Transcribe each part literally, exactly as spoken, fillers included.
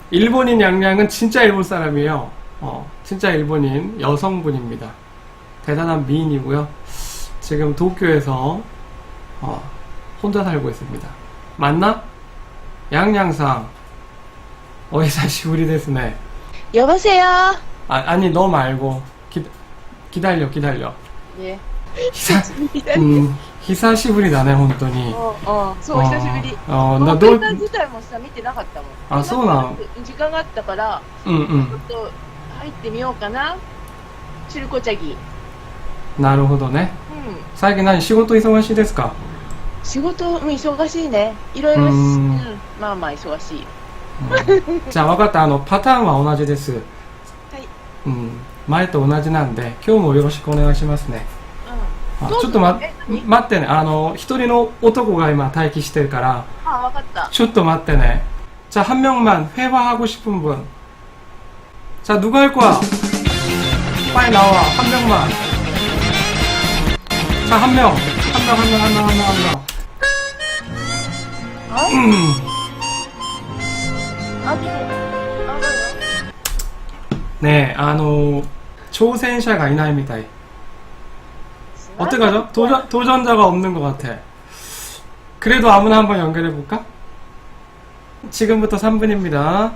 일본인 양양은 진짜 일본 사람이에요. 어, 진짜 일본인 여성분입니다. 대단한 미인이고요. 지금 도쿄에서 어, 혼자 살고 있습니다. 맞나? 양양상. 오히사시부리 데스네. 여보세요? 아, 아니 너 말고 기, 기다려 기다려. 예. 히사, 음, 히사시부리だね本当に。 어, 어,そう、久しぶり。 ああ、な、 このどう、 携帯自体もさ、見てなかったもん。 あ、そうなん時間があったから、 うんうちょっん。 と入ってみようかな。チルコチャギ。 なるほどね。 うん。 最近何仕事忙しいですか？ 仕事も忙しいね。いろいろ、 ううんん、まあまあ忙しい。 うんじゃあ分かった。あの、パターンは同じです。 はい。 うん。前と同じなんで、今日もよろしくお願いしますね。あ、 どうぞちょっとまえ、何待ってね。あの、一人の男が今待機してるから、 うん。あ、わかった。 ちょっと待ってね. 자, 한 명만 회화하고 싶은 분. 자, 누가 할 거야? 빨리 나와. 한 명만. 자, 한 명. 한 명, 한 명, 한 명, 한 명, 한 명. あ 음. あ、でも、あ、だよ。 네, 아, 노,挑戦者がいないみたい. 어떡하죠? 도전, 도전자가 없는 것 같아. 그래도 아무나 한번 연결해볼까? 지금부터 삼 분입니다.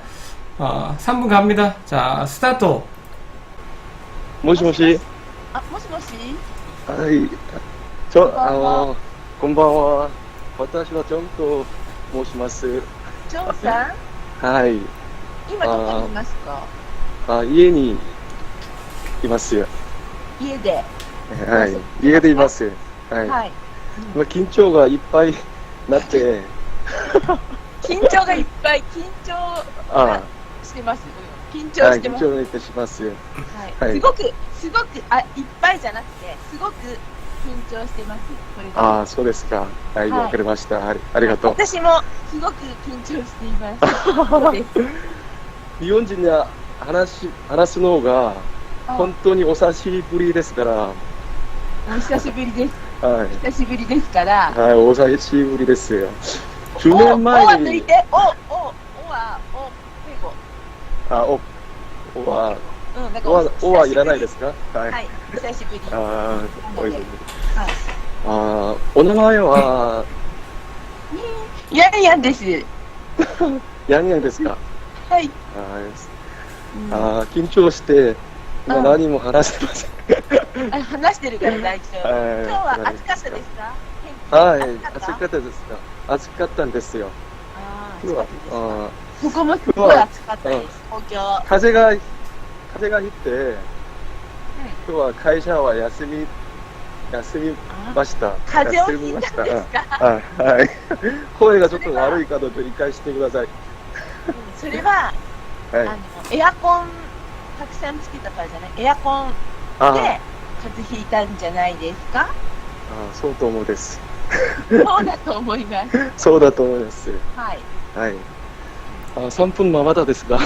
어, 삼 분 갑니다. 자, 스타트. もしもし。 あ、もしもしはい。ちょ、 こんばんはあの、こんばんは。私はジョンと申します。 ジョンさんはい。 今どこにいますか？ あ、家にいますよ。 家で。 はい。家でいます。はい。 はい。 まあ、緊張がいっぱいなって、 緊張がいっぱい、緊張あしてます。緊あ、はい、 張してます。 緊張がいっぱいします。 はいはいすごく、すごく、あ、いっぱいじゃなくて、すごく緊張してます。これからああ、そうですか。はい、 はいわかりました。ありありがとう。 私もすごく緊張しています。そうです。 日本人に話し話すのがあ本当にお久しぶりですから、 お久しぶりです。 はい。 久しぶりですから。 はい、お久しぶりですよ。じゅうお、 ねんお前には抜い、て、お、お、おは、お、英語。 あ、お、おは、 うん、なんかおは、おはいらないでですか？はい。 はい、久しぶり。 あはー、おいしい。 い。 あー、お名前は、 ヤンヤンです。 ヤンヤンですか？ はい。 あーあー、緊張して、今うん何も話せません。 あ、話してるから大丈夫。 はい今日は暑かったですか？ はい、 天気暑かったですか？暑かったんですよ。 あー今日は暑かったですか？ あここもすごい暑かったです。東京。 ー風が、風が吹いて、今日は会社は休み、休みました。 風邪を休みました。 ひいたんですか？ はい、はい。声がちょっと悪いかどうか理解してください。 うんそれは、 はい。 あのエアコンたくさんつけたからじゃない。エアコンであ風邪ひいたんじゃないですか？ あ、そうと思うです。 そうだと思います。 そうだと思います。 はい。 はい。あ、さんぷんまだですが、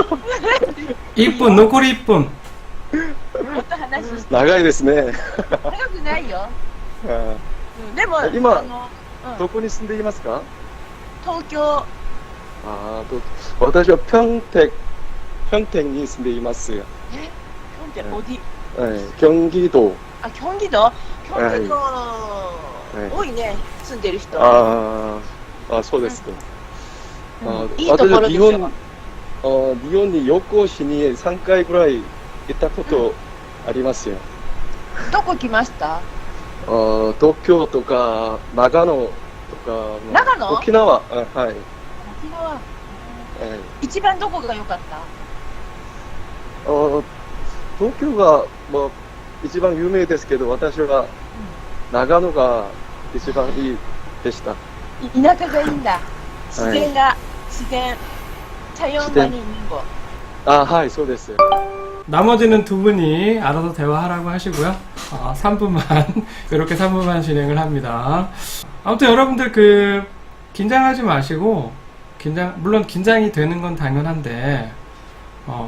일 분,残りいっぷん. もっと話して。 長いですね。 長くないよ。 あうんでも今あの、うんどこに住んでいますか？ 東京。 あーと、私は평택、평택に住んでいます。 え、キョンっておはい。경기도。 あ、キョンギ道？キョンギ道、 い多いね、住んでる人。 あーあ、そうですか。 うんあいいところでしょ。 私は日本、あ日本に旅行しにさんかいぐらい行ったことありますよ。 どこ来ました？ あ東京とか長野とか、まあ長野沖縄、あはい、はい、 沖縄。一番どこが良かった？ あ東京が、まあ、一番有名ですけど、私は長野が一番いいでした。 い田舎がいいんだ。自然が、自然。자연관이 있는 곳. 아, 하이, 소데스. 나머지는 두 분이 알아서 대화하라고 하시고요. 어, 삼 분만 이렇게 삼 분만 진행을 합니다. 아무튼 여러분들 그 긴장하지 마시고 긴장 물론 긴장이 되는 건 당연한데 어,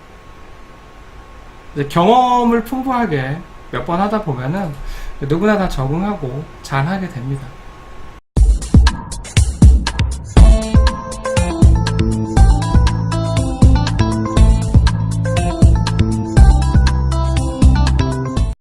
이제 경험을 풍부하게 몇 번 하다 보면은 누구나 다 적응하고 잘 하게 됩니다.